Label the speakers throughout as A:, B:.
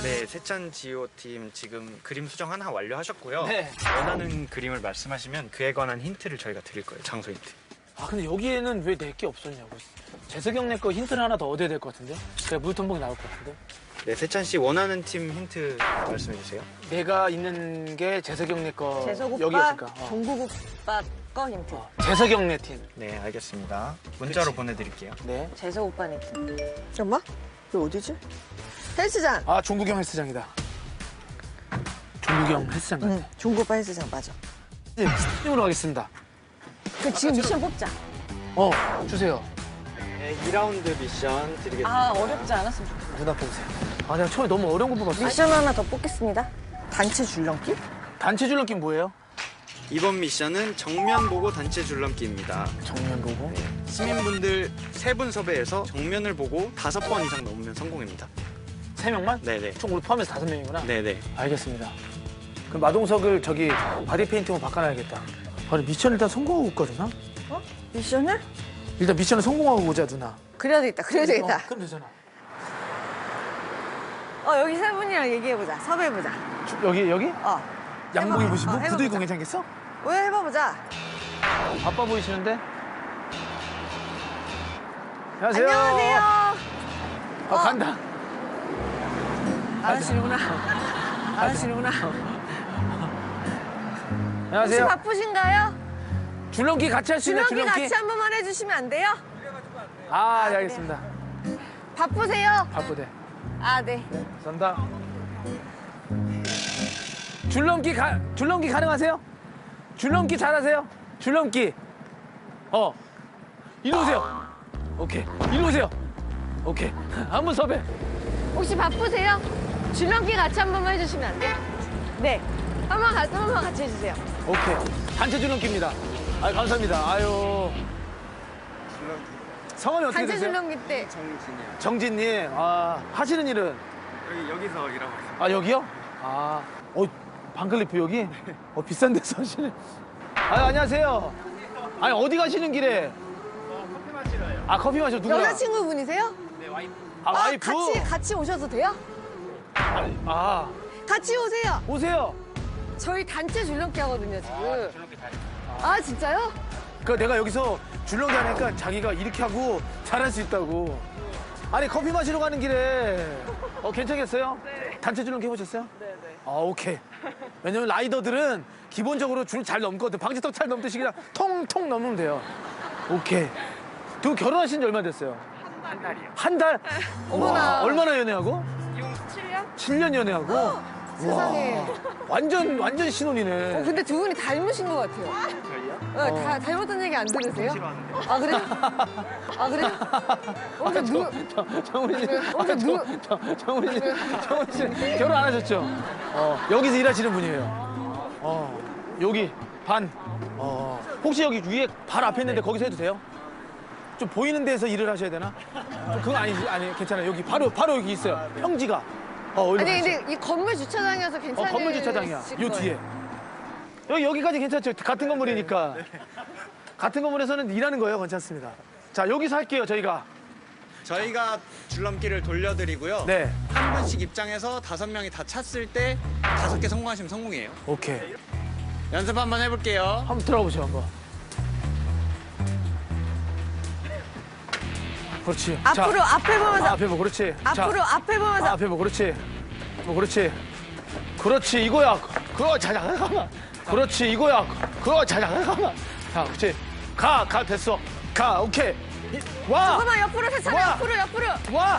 A: 네, 세찬 지오 팀 지금 그림 수정 하나 완료하셨고요.
B: 네.
A: 원하는 그림을 말씀하시면 그에 관한 힌트를 저희가 드릴 거예요. 장소 힌트.
B: 아 근데 여기에는 왜 내 게 없었냐고. 재석이 형네 거 힌트를 하나 더 얻어야 될 것 같은데? 그래 물통봉이 나올 것 같은데?
A: 네, 세찬 씨 원하는 팀 힌트 말씀해 주세요.
B: 내가 있는 게 재석이 형네 거
C: 재석 오빠,
B: 여기였을까?
C: 종국 오빠 거 힌트.
B: 재석이 형네 팀.
A: 네, 알겠습니다. 문자로
B: 그치.
A: 보내드릴게요.
B: 네.
C: 재석 오빠 느낌. 잠깐만. 이거 어디지? 헬스장.
B: 아 종국이 형 헬스장이다. 종국이 형 헬스장 같아.
C: 응, 종국 오빠 헬스장 맞아.
B: 네, 팀으로 가겠습니다.
C: 그 지금 미션 뽑자.
B: 주세요.
A: 네, 2라운드 미션 드리겠습니다.
C: 아, 어렵지 않았으면 좋겠다.
B: 누나 뽑으세요. 아 내가 처음에 너무 어려운 거 뽑았어.
C: 미션 하나 더 뽑겠습니다. 단체 줄넘기?
B: 단체 줄넘기 뭐예요?
A: 이번 미션은 정면 보고 단체 줄넘기입니다.
B: 정면 보고.
A: 시민분들 3분 섭외해서 정면을 보고 5번 이상 넘으면 성공입니다.
B: 3명만?
A: 네네.
B: 총 우리 포함해서 5명이구나.
A: 네네.
B: 알겠습니다. 그럼 마동석을 저기 바디 페인팅으로 바꿔놔야겠다. 아니 미션 일단 성공하고 올까 누나?
C: 미션을?
B: 일단 미션을 성공하고 오자 누나.
C: 그래야 되겠다. 그래야 되겠다.
B: 그럼 되잖아.
C: 여기 세 분이랑 얘기해보자. 섭외해보자.
B: 여기? 양복
C: 해봐.
B: 입으시고
C: 해봐보자.
B: 구두 입고 괜찮겠어?
C: 왜 해봐보자.
B: 바빠 보이시는데? 안녕하세요.
C: 안녕하세요.
B: 간다.
C: 안 하시는구나. 안 하시는구나. 혹시
B: 안녕하세요.
C: 바쁘신가요?
B: 줄넘기 같이 할 수 있나요?
C: 줄넘기
B: 줄넘기?
C: 같이 한 번만 해주시면 안 돼요?
B: 아, 네, 알겠습니다.
C: 바쁘세요?
B: 바쁘대.
C: 아, 네.
B: 선다. 줄넘기 가능하세요? 줄넘기 잘하세요? 줄넘기. 이리 오세요. 오케이. 이리 오세요. 오케이. 한 분 섭외.
C: 혹시 바쁘세요? 줄넘기 같이 한 번만 해주시면 안 돼요? 네. 한 번만 같이 해주세요.
B: 오케이. 단체 줄넘기입니다. 아유, 감사합니다. 아유. 성함이 어떻게
C: 단체
B: 되세요?
C: 줄넘기 때.
A: 정진이요.
B: 정진님. 아, 하시는 일은?
A: 여기서 일하고 있습니다.
B: 아, 여기요? 아, 반클리프 여기? 비싼 데서 하시네. 안녕하세요. 아니, 어디 가시는 길에?
A: 커피 마시러요.
B: 아, 커피 마시러 누구랑?
C: 여자친구분이세요?
A: 네, 와이프.
B: 아, 와이프?
C: 같이 오셔도 돼요?
B: 아,
C: 같이 오세요.
B: 오세요.
C: 저희 단체 줄넘기 하거든요, 지금. 아, 진짜요?
B: 그 내가 여기서 줄넘기 하니까 자기가 이렇게 하고 잘할 수 있다고. 아니, 커피 마시러 가는 길에. 괜찮겠어요? 네. 단체 줄넘기 해보셨어요?
C: 네네.
B: 아, 오케이. 왜냐면 라이더들은 기본적으로 줄 잘 넘거든. 방지턱 잘 넘듯이 그냥 통통 넘으면 돼요. 오케이. 두 분 결혼하신 지 얼마 됐어요?
A: 한 달이요.
B: 한 달?
C: 어머나.
B: 와, 얼마나 연애하고?
A: 지금 7년?
B: 7년 연애하고?
C: 세상에.
B: 완전 신혼이네.
C: 근데 두 분이 닮으신 것 같아요.
A: 저희요?
C: 다 닮았다는 얘기 안 들으세요?
A: 싫어하는데.
C: 아, 그래요? 아, 그래요?
B: 정훈이 씨. 정훈이 씨.
C: 네.
B: 정훈이 씨. 결혼 안 하셨죠? 여기서 일하시는 분이에요. 여기 반. 혹시 여기 위에 바로 앞에 있는데 거기서 해도 돼요? 좀 보이는 데서 일을 하셔야 되나? 좀 그건 아니 괜찮아요. 여기 바로 여기 있어요. 평지가.
C: 아니, 근데 이 건물 주차장이어서 괜찮아요.
B: 건물 주차장이야. 요 뒤에. 여기까지 괜찮죠? 같은 건물이니까. 같은 건물에서는 일하는 거예요. 괜찮습니다. 자, 여기서 할게요, 저희가.
A: 저희가 줄넘기를 돌려드리고요.
B: 네.
A: 한 분씩 입장해서 5명이 다 찼을 때 5개 성공하시면 성공이에요.
B: 오케이.
A: 연습 한번 해볼게요.
B: 한번 들어가 보세요, 한번. 그렇지.
C: 앞으로,
B: 자,
C: 앞에 보면서.
B: 앞에 뭐, 그렇지.
C: 앞으로,
B: 자,
C: 앞에 보면서.
B: 앞에 뭐, 그렇지. 그렇지. 그렇지, 이거야. 잠깐만. 그렇지, 이거야. 잠깐만. 자, 그렇지. 가, 됐어. 가, 오케이. 와!
C: 잠깐만, 옆으로 세차면
B: 와.
C: 옆으로.
B: 와!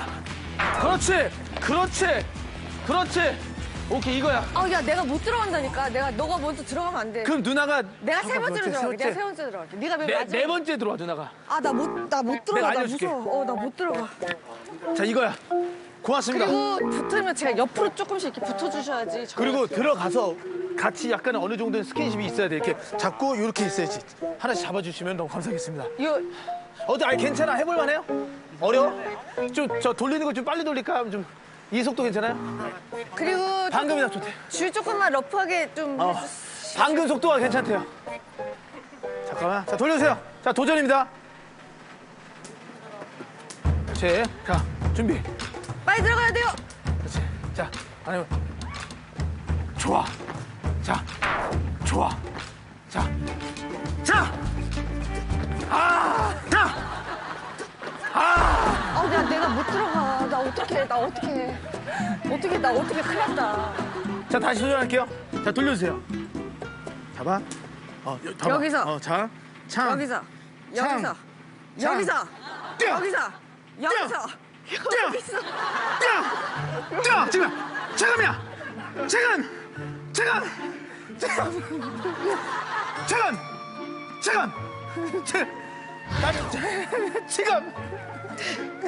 B: 그렇지. 오케이, 이거야.
C: 야, 내가 못 들어간다니까. 너가 먼저 들어가면 안 돼.
B: 그럼 누나가.
C: 내가 세 번째로
B: 세
C: 들어갈게. 내가
B: 번째.
C: 세 번째 들어갈게. 네가 맨
B: 네
C: 마지막.
B: 번째 들어와, 누나가.
C: 나 못 들어가. 나
B: 알려줄게.
C: 무서워. 나 못 들어가.
B: 자, 이거야. 고맙습니다.
C: 그리고 붙으면 제가 옆으로 조금씩 이렇게 붙어주셔야지.
B: 그리고 들어가서 같이 약간 어느 정도의 스킨십이 있어야 돼. 이렇게 잡고 이렇게 있어야지. 하나씩 잡아주시면 너무 감사하겠습니다. 아니 괜찮아. 해볼만 해요? 어려워? 좀 저 돌리는 거 좀 빨리 돌릴까? 좀 이 속도 괜찮아요?
C: 그리고
B: 방금이나 좋대.
C: 줄 조금만 러프하게 좀.
B: 방금 속도가 괜찮대요. 잠깐만. 자, 돌려주세요. 자, 도전입니다. 그렇지. 자, 준비.
C: 빨리 들어가야 돼요.
B: 그렇지. 자, 아니, 좋아. 자, 좋아. 자, 자! 아! 자! 아!
C: 내가 못 들어가. 나 어떡해. 나 어떡해. 큰일 났다.
B: 자, 다시 도전할게요. 자, 돌려주세요. 잡아. 잡아.
C: 여기서.
B: 자, 창.
C: 여기서.
B: 창.
C: 여기서.
B: 창.
C: 여기서.
B: 뛰어.
C: 여기서. 여기서.
B: 뛰어. 뛰어. 뛰어. 지금. 지금이야. 지금. 지금. 지금. 지금. 지금. 지금.